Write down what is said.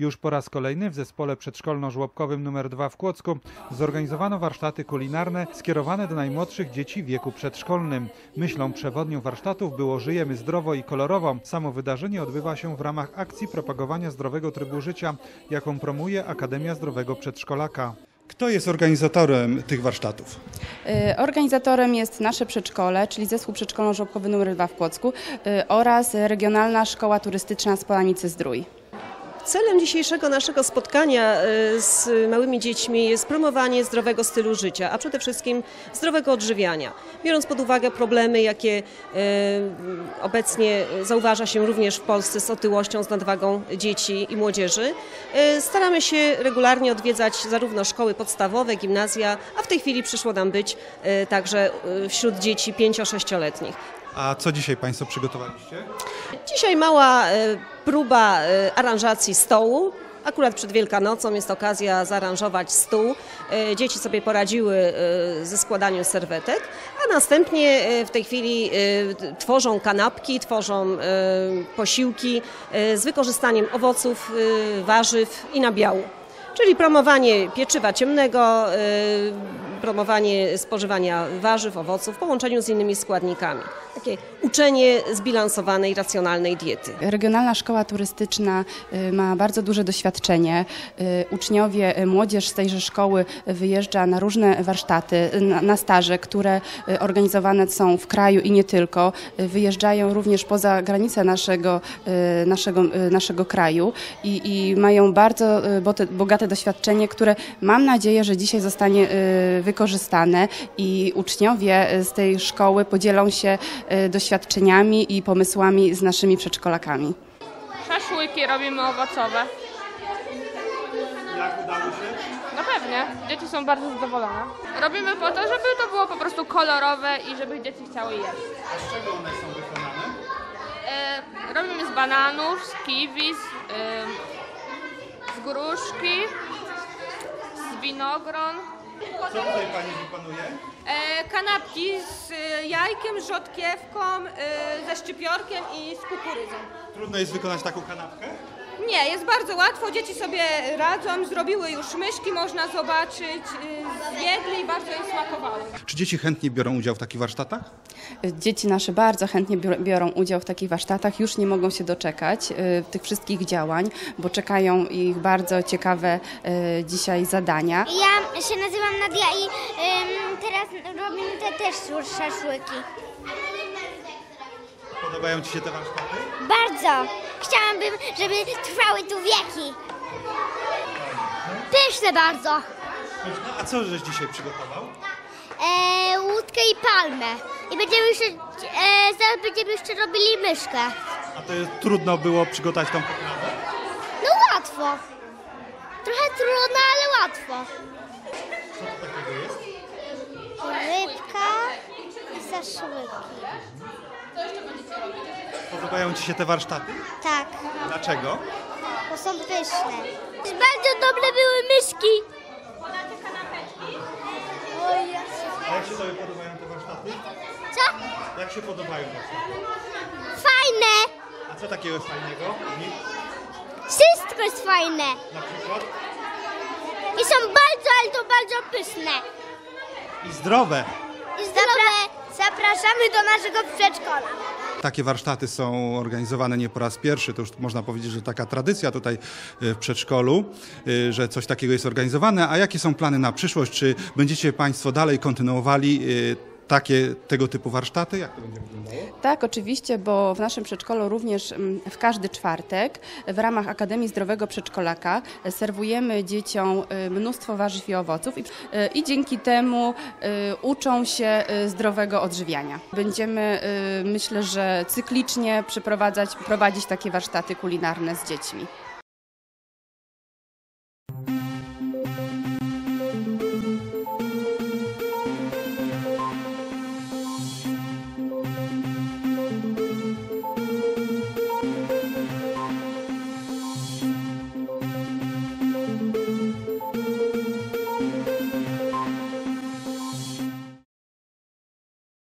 Już po raz kolejny w zespole przedszkolno-żłobkowym nr 2 w Kłodzku zorganizowano warsztaty kulinarne skierowane do najmłodszych dzieci w wieku przedszkolnym. Myślą przewodnią warsztatów było Żyjemy zdrowo i kolorowo. Samo wydarzenie odbywa się w ramach akcji propagowania zdrowego trybu życia, jaką promuje Akademia Zdrowego Przedszkolaka. Kto jest organizatorem tych warsztatów? Organizatorem jest nasze przedszkole, czyli Zespół Przedszkolno-Żłobkowy nr 2 w Kłodzku oraz Regionalna Szkoła Turystyczna z Polanicy-Zdrój. Celem dzisiejszego naszego spotkania z małymi dziećmi jest promowanie zdrowego stylu życia, a przede wszystkim zdrowego odżywiania. Biorąc pod uwagę problemy, jakie obecnie zauważa się również w Polsce z otyłością, z nadwagą dzieci i młodzieży, staramy się regularnie odwiedzać zarówno szkoły podstawowe, gimnazja, a w tej chwili przyszło nam być także wśród dzieci 5-6-letnich. A co dzisiaj Państwo przygotowaliście? Dzisiaj mała próba aranżacji stołu. Akurat przed Wielkanocą jest okazja zaaranżować stół. Dzieci sobie poradziły ze składaniem serwetek, a następnie w tej chwili tworzą kanapki, tworzą posiłki z wykorzystaniem owoców, warzyw i nabiału. Czyli promowanie pieczywa ciemnego, promowanie spożywania warzyw, owoców w połączeniu z innymi składnikami. Takie uczenie zbilansowanej, racjonalnej diety. Regionalna Szkoła Turystyczna ma bardzo duże doświadczenie. Uczniowie, młodzież z tejże szkoły wyjeżdża na różne warsztaty, na staże, które organizowane są w kraju i nie tylko. Wyjeżdżają również poza granice naszego kraju i mają bardzo bogate doświadczenie, które mam nadzieję, że dzisiaj zostanie wykorzystane i uczniowie z tej szkoły podzielą się doświadczeniami i pomysłami z naszymi przedszkolakami. Szaszłyki robimy owocowe. Jak udało się? No pewnie, dzieci są bardzo zadowolone. Robimy po to, żeby to było po prostu kolorowe i żeby dzieci chciały jeść. A z czego one są wykonane? Robimy z bananów, z kiwi, z gruszki, z winogron. Co tutaj Pani wykonuje? Kanapki z jajkiem, z rzodkiewką, ze szczypiorkiem i z kukurydzą. Trudno jest wykonać taką kanapkę? Nie, jest bardzo łatwo, dzieci sobie radzą, zrobiły już myszki, można zobaczyć, zjedli i bardzo im smakowało. Czy dzieci chętnie biorą udział w takich warsztatach? Dzieci nasze bardzo chętnie biorą udział w takich warsztatach, już nie mogą się doczekać tych wszystkich działań, bo czekają ich bardzo ciekawe dzisiaj zadania. Ja się nazywam Nadia i teraz robimy też szaszłyki. Podobają Ci się te warsztaty? Bardzo! Chciałabym, żeby trwały tu wieki. Pyszne bardzo. A co żeś dzisiaj przygotował? Łódkę i palmę. I będziemy jeszcze, zaraz będziemy jeszcze robili myszkę. A to trudno było przygotować tą potrawę? No łatwo. Trochę trudno, ale łatwo. Co to takiego jest? Rybka i szaszłyki. Podobają Ci się te warsztaty? Tak, Dlaczego? bo są pyszne. Bardzo dobre były myszki. A jak się Tobie podobają te warsztaty? Co? Jak się podobają warsztaty? Fajne. A co takiego jest fajnego w nich? Wszystko jest fajne. Na przykład? I są bardzo, ale to bardzo pyszne. I zdrowe. I zapraszamy do naszego przedszkola. Takie warsztaty są organizowane nie po raz pierwszy, to już można powiedzieć, że taka tradycja tutaj w przedszkolu, że coś takiego jest organizowane. A jakie są plany na przyszłość? Czy będziecie Państwo dalej kontynuowali tego typu warsztaty? Jak to będzie wyglądało? Tak, oczywiście, bo w naszym przedszkolu również w każdy czwartek w ramach Akademii Zdrowego Przedszkolaka serwujemy dzieciom mnóstwo warzyw i owoców i dzięki temu uczą się zdrowego odżywiania. Będziemy, myślę, że cyklicznie prowadzić takie warsztaty kulinarne z dziećmi.